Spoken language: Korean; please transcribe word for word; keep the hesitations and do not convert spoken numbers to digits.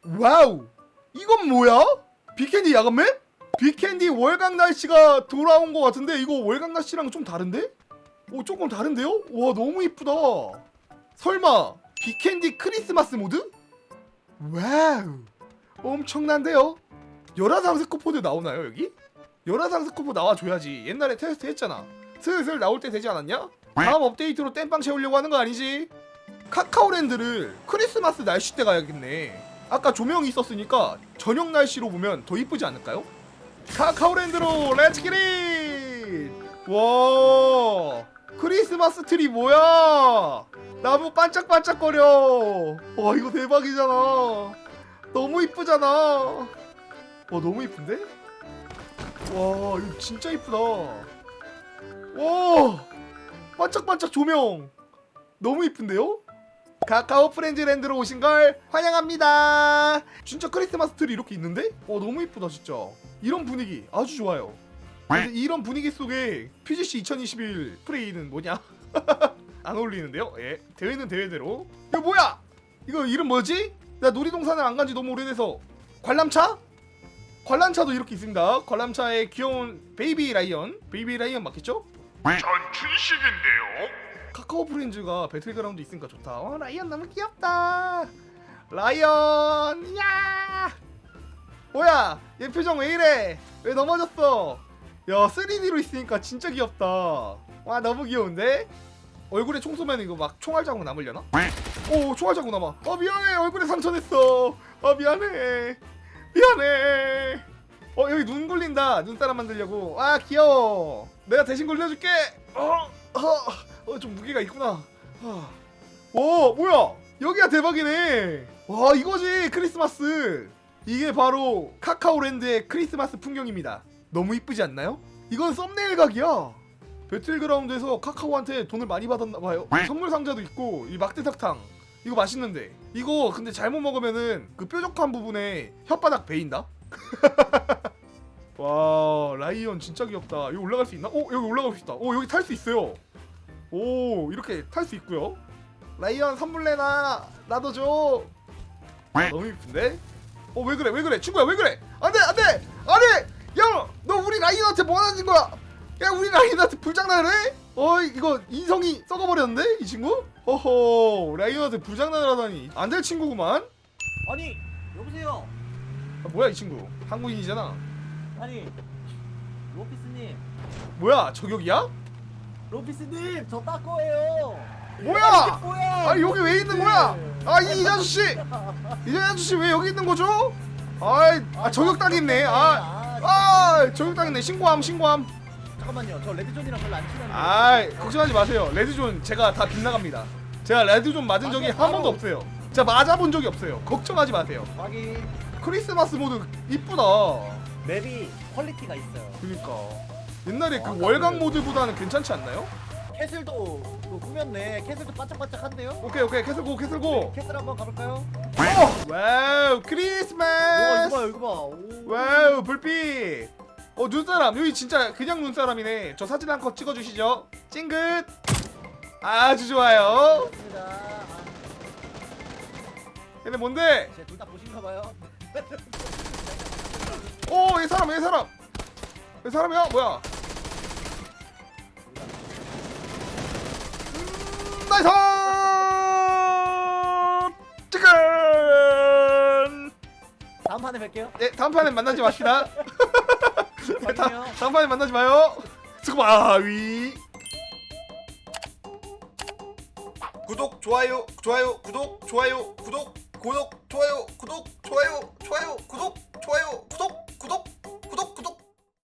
와우, 이건 뭐야? 빅캔디 야간맵? 빅캔디 월강 날씨가 돌아온 것 같은데 이거 월강 날씨랑 좀 다른데? 오, 조금 다른데요? 와, 너무 이쁘다. 설마 빅캔디 크리스마스 모드? 와우, 엄청난데요? 열화상 스코포드 나오나요 여기? 열화상 스코포 나와줘야지. 옛날에 테스트 했잖아. 슬슬 나올 때 되지 않았냐? 다음 업데이트로 땜빵 채우려고 하는 거 아니지? 카카오랜드를 크리스마스 날씨 때 가야겠네. 아까 조명이 있었으니까 저녁 날씨로 보면 더 이쁘지 않을까요? 카카오랜드로 렛츠 기릿! 와, 크리스마스 트리 뭐야? 나무 반짝반짝거려. 와, 이거 대박이잖아. 너무 이쁘잖아. 와, 너무 이쁜데? 와, 이거 진짜 이쁘다. 와, 반짝반짝 조명 너무 이쁜데요? 카카오 프렌즈랜드로 오신 걸 환영합니다. 진짜 크리스마스 트리 이렇게 있는데? 어, 너무 이쁘다 진짜. 이런 분위기 아주 좋아요. 근데 이런 분위기 속에 피지씨 이천이십일 프레이는 뭐냐? 안 어울리는데요? 예, 대회는 대회대로. 이거 뭐야? 이거 이름 뭐지? 나 놀이동산을 안 간지 너무 오래돼서. 관람차? 관람차도 이렇게 있습니다. 관람차에 귀여운 베이비 라이언. 베이비 라이언 맞겠죠? 전 춘식인데요. 카카오 프렌즈가 배틀그라운드 있으니까 좋다. 어, 라이언 너무 귀엽다. 라이언, 야! 뭐야? 얘 표정 왜 이래? 왜 넘어졌어? 야, 쓰리디로 있으니까 진짜 귀엽다. 와, 너무 귀여운데? 얼굴에 총 쏘면 이거 막 총알 자국 남으려나? 오, 총알 자국 남아. 어, 미안해. 얼굴에 상처 냈어. 어, 미안해. 미안해. 어, 여기 눈 굴린다. 눈사람 만들려고. 아, 귀여워. 내가 대신 굴려줄게. 어, 어, 어, 좀 무게가 있구나. 어. 오, 뭐야? 여기가 대박이네. 와, 이거지 크리스마스. 이게 바로 카카오랜드의 크리스마스 풍경입니다. 너무 이쁘지 않나요? 이건 썸네일 각이야. 배틀그라운드에서 카카오한테 돈을 많이 받았나봐요. 선물 상자도 있고 이 막대사탕 이거 맛있는데 이거 근데 잘못 먹으면은 그 뾰족한 부분에 혓바닥 베인다. 와, 라이언 진짜 귀엽다. 여기 올라갈 수 있나? 오, 여기 올라갈 수 있다. 오, 여기 탈 수 있어요. 오, 이렇게 탈 수 있고요. 라이언 선물 내놔. 나도 줘. 아, 너무 이쁜데? 어, 왜 그래? 왜 그래? 친구야, 왜 그래? 안 돼! 안 돼! 안 돼! 야! 너 우리 라이언한테 뭐 하는 거야? 야, 우리 라이언한테 불장난을 해? 어이, 이거 인성이 썩어버렸는데? 이 친구? 허허, 라이언한테 불장난을 하다니. 안 될 친구구만? 아니 여보세요. 아, 뭐야, 이 친구? 한국인이잖아. 아니 로피스님. 뭐야, 저격이야? 로피스님 저 따꺼예요. 뭐야? 뭐야? 아니, 여기 왜 있는 거야? 아, 이, 이 아저씨! 이 아저씨 왜 여기 있는 거죠? 아이, 아, 저격당했네. 아, 아, 저격당했네. 신고함, 신고함. 잠깐만요. 저 레드존이랑 별로 안 친한데. 아이, 걱정하지 마세요. 레드존 제가 다 빗나갑니다. 제가 레드존 맞은 적이 한 번도 없어요. 제가 맞아본 적이 없어요. 걱정하지 마세요. 확인. 크리스마스 모드 이쁘다. 맵이 퀄리티가 있어요. 그니까 옛날에 그 아, 월강 그- 모드보다는 괜찮지 않나요? 캐슬도 또 꾸몄네. 캐슬도 반짝반짝한데요? 오케이, 오케이. 캐슬고, 캐슬고. 캐슬 한번 가볼까요? 어! 와우, 오, 크리스마스. 이거 봐, 이거 봐. 오. 와우, 불빛. 어, 눈사람. 여기 진짜 그냥 눈사람이네. 저 사진 한 컷 찍어주시죠. 찡긋. 아주 좋아요. 좋습니다. 아, 얘네 뭔데? 제 둘 다 보신가 봐요. 오, 얘 사람, 얘 사람. 얘 사람이야? 뭐야? 음, 나이스! 치킨! 다음 판에 뵐게요. 네, 다음 판에 만나지 맙시다. 네, 다, 확인해요. 다음 판에 만나지 마요. 스쿠바위. 구독, 좋아요, 좋아요, 구독, 좋아요, 구독, 구독, 좋아요, 구독, 좋아요, 좋아요, 구독.